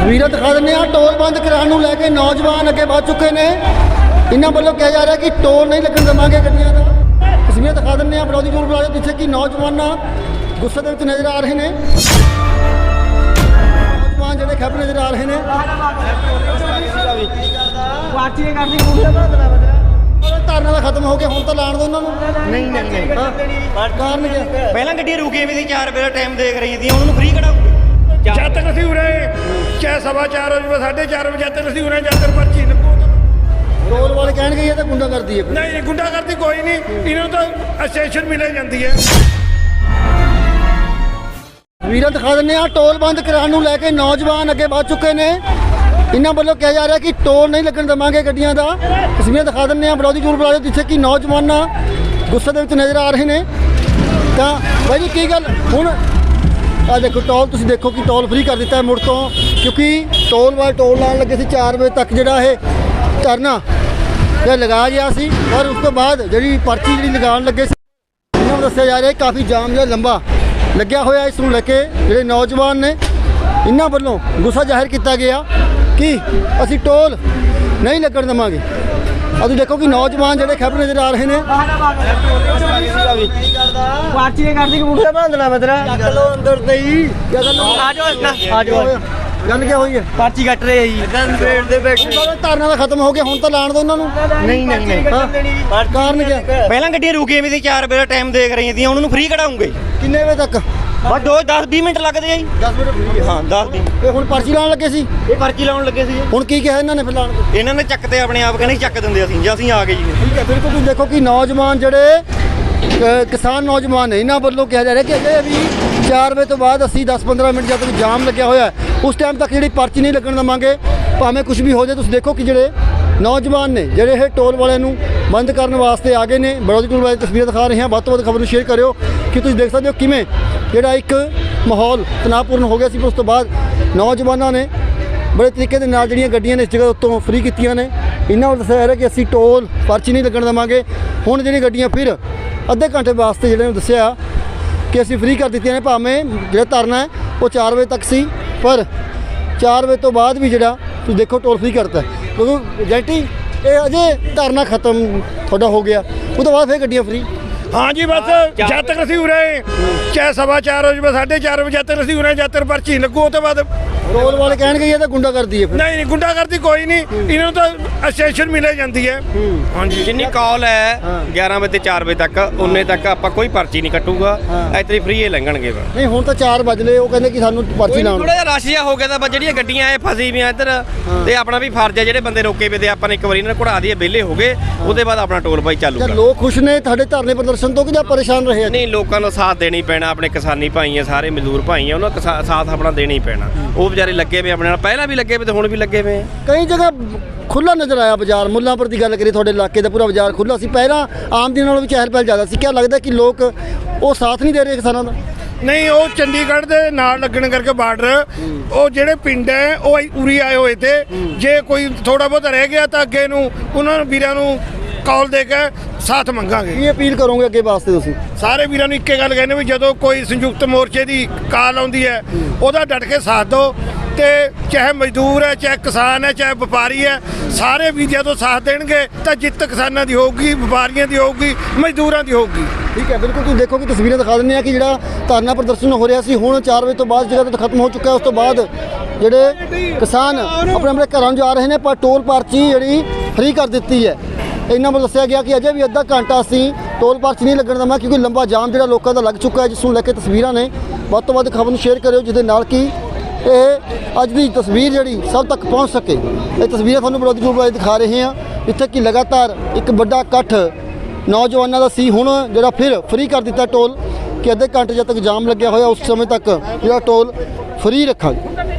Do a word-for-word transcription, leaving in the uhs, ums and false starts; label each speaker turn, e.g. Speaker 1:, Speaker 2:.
Speaker 1: ਤਸਵੀਰਾਂ ਦਿਖਾ ਦਿੰਦੇ ਆ। ਟੋਲ ਬੰਦ ਕਰਾਉਣ ਨੂੰ ਲੈ ਕੇ ਨੌਜਵਾਨ ਅੱਗੇ ਵੱਧ ਚੁੱਕੇ ਨੇ। ਇਹਨਾਂ ਵੱਲੋਂ ਕਿਹਾ ਜਾ ਰਿਹਾ ਕਿ ਟੋਲ ਨਹੀਂ ਲੱਗਣ ਦੇਵਾਂਗੇ ਗੱਡੀਆਂ ਦਾ। ਤਸਵੀਰਾਂ ਦਿਖਾ ਦਿੰਦੇ ਆ ਵਿਰੋਧੀ ਟੋਲ ਪਲਾਜ਼ਾ ਜਿੱਥੇ ਕਿ ਨੌਜਵਾਨ ਗੁੱਸੇ ਦੇ ਵਿੱਚ ਨਜ਼ਰ ਆ ਰਹੇ ਨੇ। ਨੌਜਵਾਨ ਜਿਹੜੇ ਖੱਬ ਨਜ਼ਰ ਆ ਰਹੇ ਨੇ। ਧਰਨਾ ਦਾ ਖਤਮ ਹੋ ਗਿਆ, ਹੁਣ ਤਾਂ ਲਾਣ ਦੋ ਉਹਨਾਂ ਨੂੰ।
Speaker 2: ਨਹੀਂ ਨਹੀਂ ਨਹੀਂ
Speaker 1: ਕਾਰਨ ਕੀ?
Speaker 2: ਪਹਿਲਾਂ ਗੱਡੀਆਂ ਰੁਕੀਆਂ ਵੀ ਸੀ, ਚਾਰ ਵਜੇ ਦਾ ਟਾਈਮ ਦੇਖ ਰਹੀ ਸੀ, ਉਹਨਾਂ ਨੂੰ ਫ੍ਰੀ ਕਢਾਉਂਗੇ।
Speaker 3: ਜਦ ਤੱਕ ਅਸੀਂ ਉਰੇ ਚਾਹੇ ਸਵਾ ਚਾਰ ਵਜੇ ਸਾਢੇ ਚਾਰ ਵਜੇ ਤੱਕ ਅਸੀਂ ਉਰੇ ਜਦ ਤੱਕ ਪਰਚੀ ਲੱਗੂ।
Speaker 1: ਟੋਲ ਵਾਲੇ ਕਹਿਣਗੇ ਇਹ ਤਾਂ ਗੁੰਡਾ ਕਰਦੀ ਹੈ।
Speaker 3: ਨਹੀਂ ਗੁੰਡਾ ਕਰਦੀ ਕੋਈ ਨਹੀਂ, ਇਹਨਾਂ ਨੂੰ ਤਾਂ ਅਸੈਸ਼ਨ ਮਿਲ ਜਾਂਦੀ ਹੈ।
Speaker 1: ਤਸਵੀਰਾਂ ਦਿਖਾ ਦਿੰਦੇ ਆ। ਟੋਲ ਬੰਦ ਕਰਾਉਣ ਨੂੰ ਲੈ ਕੇ ਨੌਜਵਾਨ ਅੱਗੇ ਵੱਧ ਚੁੱਕੇ ਨੇ। ਇਹਨਾਂ ਵੱਲੋਂ ਕਿਹਾ ਜਾ ਰਿਹਾ ਕਿ ਟੋਲ ਨਹੀਂ ਲੱਗਣ ਦੇਵਾਂਗੇ ਗੱਡੀਆਂ ਦਾ। ਤਸਵੀਰਾਂ ਦਿਖਾ ਦਿੰਦੇ ਆ ਵਿਰੋਧੀ ਟੋਲ ਪਲਾਜ਼ਾ ਜਿੱਥੇ ਕਿ ਨੌਜਵਾਨ ਗੁੱਸੇ ਦੇ ਵਿੱਚ ਨਜ਼ਰ ਆ ਰਹੇ ਨੇ। ਤਾਂ ਬਾਈ ਜੀ ਕੀ ਗੱਲ ਹੁਣ ਆ ਦੇਖੋ ਟੋਲ ਤੁਸੀਂ ਦੇਖੋ ਕਿ ਟੋਲ ਫ੍ਰੀ ਕਰ ਦਿੱਤਾ ਹੈ ਮੁੜ ਤੋਂ, ਕਿਉਂਕਿ ਟੋਲ ਵਾਲੇ ਟੋਲ ਲਾਉਣ ਲੱਗੇ ਸੀ ਚਾਰ ਵਜੇ ਤੱਕ ਜਿਹੜਾ ਇਹ ਧਰਨਾ ਇਹ ਲਗਾ ਗਿਆ ਸੀ। ਪਰ ਉਸ ਤੋਂ ਬਾਅਦ ਜਿਹੜੀ ਪਰਚੀ ਜਿਹੜੀ ਲਗਾਉਣ ਲੱਗੇ ਸੀ ਇਹਨਾਂ ਨੂੰ ਦੱਸਿਆ ਜਾ ਰਿਹਾ ਕਾਫੀ ਜਾਮ ਜਿਹੜਾ ਲੰਬਾ ਲੱਗਿਆ ਹੋਇਆ। ਇਸ ਨੂੰ ਲੈ ਕੇ ਜਿਹੜੇ ਨੌਜਵਾਨ ਨੇ ਇਹਨਾਂ ਵੱਲੋਂ ਗੁੱਸਾ ਜ਼ਾਹਿਰ ਕੀਤਾ ਗਿਆ ਕਿ ਅਸੀਂ ਟੋਲ ਨਹੀਂ ਲੱਗਣ ਦੇਵਾਂਗੇ। ਅਸੀਂ ਦੇਖੋ ਕਿ ਨੌਜਵਾਨ ਜਿਹੜੇ ਖੱਬ ਨਜ਼ਰ ਆ ਰਹੇ ਨੇ।
Speaker 2: ਪਾਰਟੀ ਨੇ ਕਰਦੀ ਕਬੂਤਰ ਬਣਾ ਦੇਣਾ ਮੈਂ ਤੇਰਾ
Speaker 1: ਚੱਕ ਲੋ ਅੰਦਰ ਤੇ ਹੀ ਆ
Speaker 2: ਜਾਓ ਆ ਜਾਓ।
Speaker 1: ਗੱਲ ਕੀ ਹੋਈ ਹੈ?
Speaker 2: ਪਾਰਟੀ ਕੱਟ ਰਹੇ ਜੀ ਪੇੜ ਦੇ ਬੈਠੇ।
Speaker 1: ਧਰਨਾ ਦਾ ਖਤਮ ਹੋ ਗਿਆ, ਹੁਣ ਤਾਂ ਲਾਣ ਦੋ ਉਹਨਾਂ ਨੂੰ।
Speaker 2: ਨਹੀਂ ਨਹੀਂ ਨਹੀਂ
Speaker 1: ਕਾਰਨ ਕੀ?
Speaker 2: ਪਹਿਲਾਂ ਗੱਡੀਆਂ ਰੁਕੀਆਂ ਵੀ ਸੀ, ਚਾਰ ਵਜੇ ਦਾ ਟਾਈਮ ਦੇਖ ਰਹੀ ਸੀ, ਉਹਨਾਂ ਨੂੰ ਫ੍ਰੀ ਕਢਾਉਂਗੇ।
Speaker 1: ਕਿੰਨੇ ਵਜੇ ਤੱਕ?
Speaker 2: ਬਸ ਦੋ ਦਸ ਵੀਹ ਮਿੰਟ ਲੱਗਦੇ ਆ ਜੀ।
Speaker 1: ਦਸ ਮਿੰਟ ਫ੍ਰੀ
Speaker 2: ਹਾਂ ਦਸ ਵੀਹ।
Speaker 1: ਇਹ ਹੁਣ ਪਰਚੀ ਲਾਉਣ ਲੱਗੇ ਸੀ।
Speaker 2: ਇਹ ਪਰਚੀ ਲਾਉਣ ਲੱਗੇ ਸੀ।
Speaker 1: ਹੁਣ ਕੀ ਕਿਹਾ ਇਹਨਾਂ ਨੇ ਫਿਰ ਲਾਉਣ ਤੋਂ?
Speaker 2: ਇਹਨਾਂ ਨੇ ਚੱਕ ਤੇ ਆਪਣੇ ਆਪ ਕਹਿੰਦੇ ਚੱਕ ਦਿੰਦੇ ਅਸੀਂ, ਜੇ ਅਸੀਂ ਆ ਗਏ ਜੀ।
Speaker 1: ਠੀਕ ਹੈ, ਬਿਲਕੁਲ ਤੁਸੀਂ ਦੇਖੋ ਕਿ ਨੌਜਵਾਨ ਜਿਹੜੇ ਅ, ਕਿਸਾਨ ਨੌਜਵਾਨ ਨੇ ਇਹਨਾਂ ਵੱਲੋਂ ਕਿਹਾ ਜਾ ਰਿਹਾ ਕਿ ਅਜੇ ਵੀ ਚਾਰ ਵਜੇ ਤੋਂ ਬਾਅਦ ਅਸੀਂ ਦਸ ਪੰਦਰਾਂ ਮਿੰਟ ਜਦ ਤੱਕ ਜਾਮ ਲੱਗਿਆ ਹੋਇਆ ਉਸ ਟਾਈਮ ਤੱਕ ਜਿਹੜੀ ਪਰਚੀ ਨਹੀਂ ਲੱਗਣ ਦੇਵਾਂਗੇ, ਭਾਵੇਂ ਕੁਝ ਵੀ ਹੋ ਜਾਏ। ਤੁਸੀਂ ਦੇਖੋ ਕਿ ਜਿਹੜੇ ਨੌਜਵਾਨ ਨੇ ਜਿਹੜੇ ਇਹ ਟੋਲ ਵਾਲਿਆਂ ਨੂੰ ਬੰਦ ਕਰਨ ਵਾਸਤੇ ਆ ਗਏ ਨੇ। ਵਿਰੋਧੀ ਟੋਲ ਵਾਲੇ ਤਸਵੀਰਾਂ ਦਿਖਾ ਰਹੇ ਹਾਂ। ਵੱਧ ਤੋਂ ਵੱਧ ਖਬਰ ਨੂੰ ਸ਼ੇਅਰ ਕਰਿਓ ਕਿ ਤੁਸੀਂ ਦੇਖ ਸਕਦੇ ਹੋ ਕਿਵੇਂ ਜਿਹੜਾ ਇੱਕ ਮਾਹੌਲ ਤਣਾਅਪੂਰਨ ਹੋ ਗਿਆ ਸੀ। ਪਰ ਉਸ ਤੋਂ ਬਾਅਦ ਨੌਜਵਾਨਾਂ ਨੇ ਬੜੇ ਤਰੀਕੇ ਦੇ ਨਾਲ ਜਿਹੜੀਆਂ ਗੱਡੀਆਂ ਨੇ ਇਸ ਜਗ੍ਹਾ ਉੱਤੋਂ ਫ੍ਰੀ ਕੀਤੀਆਂ ਨੇ। ਇਹਨਾਂ ਨੂੰ ਦੱਸਿਆ ਜਾ ਰਿਹਾ ਕਿ ਅਸੀਂ ਟੋਲ ਪਰਚੀ ਨਹੀਂ ਲੱਗਣ ਦੇਵਾਂਗੇ। ਹੁਣ ਜਿਹੜੀਆਂ ਗੱਡੀਆਂ ਫਿਰ ਅੱਧੇ ਘੰਟੇ ਵਾਸਤੇ ਜਿਹੜੇ ਨੂੰ ਦੱਸਿਆ ਕਿ ਅਸੀਂ ਫ੍ਰੀ ਕਰ ਦਿੱਤੀਆਂ ਨੇ। ਭਾਵੇਂ ਜਿਹੜਾ ਧਰਨਾ ਹੈ ਉਹ ਚਾਰ ਵਜੇ ਤੱਕ ਸੀ, ਪਰ ਚਾਰ ਵਜੇ ਤੋਂ ਬਾਅਦ ਵੀ ਜਿਹੜਾ ਤੁਸੀਂ ਦੇਖੋ ਟੋਲ ਫ੍ਰੀ ਕਰਤਾ। ਕਿਉਂਕਿ ਜੈਂਟੀ ਇਹ ਅਜੇ ਧਰਨਾ ਖਤਮ ਤੁਹਾਡਾ ਹੋ ਗਿਆ, ਉਹ ਤੋਂ ਬਾਅਦ ਫਿਰ ਗੱਡੀਆਂ ਫ੍ਰੀ।
Speaker 3: ਹਾਂ ਜੀ ਬਸ ਜਦ ਤੱਕ ਅਸੀਂ ਉਰੇ ਚਾਹੇ ਸਵਾ ਚਾਰ ਵਜੇ ਸਾਢੇ ਚਾਰ ਵਜੇ ਤੱਕ ਅਸੀਂ ਉਰੇ ਜਦ ਤੱਕ ਪਰਚੀ ਲੱਗੂ। ਉਹ ਤੋਂ ਬਾਅਦ
Speaker 1: ਟੋਲ ਵਾਲੇ ਕਹਿਣਗੇ ਇਹ ਤਾਂ ਗੁੰਡਾ ਕਰਦੀ ਹੈ। ਫਿਰ
Speaker 3: ਨਹੀਂ ਨਹੀਂ ਗੁੰਡਾ ਕਰਦੀ ਕੋਈ ਨਹੀਂ, ਇਹਨਾਂ ਨੂੰ ਤਾਂ ਅਸੈਸ਼ਨ ਮਿਲ ਜਾਂਦੀ ਹੈ। ਹਾਂਜੀ
Speaker 2: ਜਿੰਨੀ ਕਾਲ ਹੈ ਗਿਆਰਾਂ ਵਜੇ ਤੇ ਚਾਰ ਵਜੇ ਤੱਕ, ਉਨੇ ਤੱਕ ਆਪਾਂ ਕੋਈ ਪਰਚੀ ਨਹੀਂ ਕੱਟੂਗਾ। ਇੱਥੇ ਫ੍ਰੀ ਹੀ ਲੰਘਣਗੇ।
Speaker 1: ਨਹੀਂ ਹੁਣ ਤਾਂ ਚਾਰ ਵਜ ਲਏ, ਉਹ ਕਹਿੰਦੇ ਕਿ ਸਾਨੂੰ ਪਰਚੀ ਲਾਉਣ।
Speaker 2: ਥੋੜਾ ਜਿਹਾ ਰਸ਼ ਜਿਹਾ ਹੋ ਗਿਆ ਤਾਂ ਬਸ ਜਿਹੜੀਆਂ ਗੱਡੀਆਂ ਇਹ ਫਸੀ ਵੀਆਂ ਇੱਧਰ, ਤੇ ਆਪਣਾ ਵੀ ਫਰਜ਼ ਹੈ ਜਿਹੜੇ ਬੰਦੇ ਰੋਕੇ ਪਏ ਤੇ ਆਪਾਂ ਨੇ ਇੱਕ ਵਾਰੀ ਇਹਨਾਂ ਨੂੰ ਘੁੜਾ ਦਈਏ, ਵਿਹਲੇ ਹੋ ਗਏ, ਉਹਦੇ ਬਾਅਦ ਆਪਣਾ ਟੋਲ ਬਾਈ ਚਾਲੂਗਾ।
Speaker 1: ਲੋਕ ਖੁਸ਼ ਨੇ ਤੁਹਾਡੇ ਧਰਨੇ ਪ੍ਰਦਰਸ਼ਨ ਤੋਂ ਕਿ ਜਾਂ ਪਰੇਸ਼ਾਨ ਰਹੇ?
Speaker 2: ਨਹੀਂ, ਲੋਕਾਂ ਨੂੰ ਸਾਥ ਦੇਣਾ ਹੀ ਪੈਣਾ। ਆਪਣੇ ਕਿਸਾਨੀ ਭਾਈ ਆ, ਸਾਰੇ ਮਜ਼ਦੂਰ ਭਾਈ ਆ, ਉਹਨਾਂ ਦਾ ਸਾਥ ਆਪਣਾ ਦੇਣਾ ਹੀ ਪੈਣਾ। ਉਹ ਵਿਚਾਰੇ ਲੱਗੇ ਪਏ ਆਪਣੇ ਨਾਲ, ਪਹਿਲਾਂ ਵੀ ਲੱਗੇ ਪਏ ਤੇ ਹੁਣ ਵੀ ਲੱਗੇ ਪਏ।
Speaker 1: ਕਈ ਜਗ੍ਹਾ ਖੁੱਲਾ ਨਜ਼ਰ ਆਇਆ ਬਾਜ਼ਾਰ। ਮੁੱਲਾਂਪੁਰ ਦੀ ਗੱਲ ਕਰੀਏ, ਤੁਹਾਡੇ ਇਲਾਕੇ ਦਾ ਪੂਰਾ ਬਾਜ਼ਾਰ ਖੁੱਲਾ ਸੀ। ਪਹਿਲਾਂ ਆਮ ਦਿਨ ਨਾਲੋਂ ਵੀ ਚਹਿਲ ਪਹਿਲ ਜ਼ਿਆਦਾ ਸੀ। ਕਿਆ ਲੱਗਦਾ ਕਿ ਲੋਕ ਉਹ ਸਾਥ ਨਹੀਂ ਦੇ ਰਹੇ ਕਿਸਾਨਾਂ ਦਾ?
Speaker 3: ਨਹੀਂ, ਉਹ ਚੰਡੀਗੜ੍ਹ ਦੇ ਨਾਲ ਲੱਗਣ ਕਰਕੇ ਬਾਰਡਰ, ਉਹ ਜਿਹੜੇ ਪਿੰਡ ਹੈ ਉਹ ਉਰੀ ਆਏ ਹੋਏ ਤੇ। ਜੇ ਕੋਈ ਥੋੜਾ ਬਹੁਤ ਰਹਿ ਗਿਆ ਤਾਂ ਅੱਗੇ ਨੂੰ ਉਹਨਾਂ ਨੂੰ ਵੀਰਾਂ ਨੂੰ ਕਾਲ ਦੇ ਕੇ ਸਾਥ ਮੰਗਾਂਗੇ।
Speaker 1: ਕੀ ਅਪੀਲ ਕਰੋਗੇ ਅੱਗੇ ਵਾਸਤੇ ਤੁਸੀਂ?
Speaker 3: ਸਾਰੇ ਵੀਰਾਂ ਨੂੰ ਇੱਕੇ ਗੱਲ ਕਹਿੰਦੇ ਵੀ ਜਦੋਂ ਕੋਈ ਸੰਯੁਕਤ ਮੋਰਚੇ ਦੀ ਕਾਲ ਆਉਂਦੀ ਹੈ ਉਹਦਾ ਡਟ ਕੇ ਸਾਥ ਦਿਓ। ਤੇ ਚਾਹੇ ਮਜ਼ਦੂਰ ਹੈ, ਚਾਹੇ ਕਿਸਾਨ ਹੈ, ਚਾਹੇ ਵਪਾਰੀ ਹੈ, ਸਾਰੇ ਵੀ ਜਦੋਂ ਸਾਥ ਦੇਣਗੇ ਤਾਂ ਜਿੱਤ ਕਿਸਾਨਾਂ ਦੀ ਹੋਊਗੀ, ਵਪਾਰੀਆਂ ਦੀ ਹੋਊਗੀ, ਮਜ਼ਦੂਰਾਂ ਦੀ ਹੋਊਗੀ।
Speaker 1: ਠੀਕ ਹੈ, ਬਿਲਕੁਲ ਤੁਸੀਂ ਦੇਖੋ ਕਿ ਤਸਵੀਰਾਂ ਦਿਖਾ ਦਿੰਦੇ ਆ ਕਿ ਜਿਹੜਾ ਧਰਨਾ ਪ੍ਰਦਰਸ਼ਨ ਹੋ ਰਿਹਾ ਸੀ ਹੁਣ ਚਾਰ ਵਜੇ ਤੋਂ ਬਾਅਦ ਜਗ੍ਹਾ ਤੋਂ ਖਤਮ ਹੋ ਚੁੱਕਾ। ਉਸ ਤੋਂ ਬਾਅਦ ਜਿਹੜੇ ਕਿਸਾਨ ਆਪਣੇ ਆਪਣੇ ਘਰਾਂ ਨੂੰ ਜਾ ਰਹੇ ਨੇ, ਪਰ ਟੋਲ ਪਰਚੀ ਜਿਹੜੀ ਫ੍ਰੀ ਕਰ ਦਿੱਤੀ ਹੈ। ਇਹਨਾਂ ਵੱਲੋਂ ਦੱਸਿਆ ਗਿਆ ਕਿ ਅਜੇ ਵੀ ਅੱਧਾ ਘੰਟਾ ਅਸੀਂ ਟੋਲ ਪਰਚੀ ਨਹੀਂ ਲੱਗਣ ਦੇਵਾਂਗੇ, ਕਿਉਂਕਿ ਲੰਬਾ ਜਾਮ ਜਿਹੜਾ ਲੋਕਾਂ ਦਾ ਲੱਗ ਚੁੱਕਾ ਹੈ। ਜਿਸ ਨੂੰ ਲੈ ਕੇ ਤਸਵੀਰਾਂ ਨੇ। ਵੱਧ ਤੋਂ ਵੱਧ ਖਬਰ ਨੂੰ ਸ਼ੇਅਰ ਕਰਿਓ ਜਿਹਦੇ ਨਾਲ ਕਿ ਇਹ ਅੱਜ ਦੀ ਤਸਵੀਰ ਜਿਹੜੀ ਸਭ ਤੱਕ ਪਹੁੰਚ ਸਕੇ। ਇਹ ਤਸਵੀਰਾਂ ਤੁਹਾਨੂੰ ਵਿਰੋਧੀ ਟੋਲ ਵਾਲੇ ਦਿਖਾ ਰਹੇ ਹਾਂ, ਜਿੱਥੇ ਕਿ ਲਗਾਤਾਰ ਇੱਕ ਵੱਡਾ ਇਕੱਠ ਨੌਜਵਾਨਾਂ ਦਾ ਸੀ। ਹੁਣ ਜਿਹੜਾ ਫਿਰ ਫ੍ਰੀ ਕਰ ਦਿੱਤਾ ਟੋਲ ਕਿ ਅੱਧੇ ਘੰਟੇ ਜਦ ਤੱਕ ਜਾਮ ਲੱਗਿਆ ਹੋਇਆ ਉਸ ਸਮੇਂ ਤੱਕ ਜਿਹੜਾ ਟੋਲ ਫ੍ਰੀ ਰੱਖਾਂਗੇ।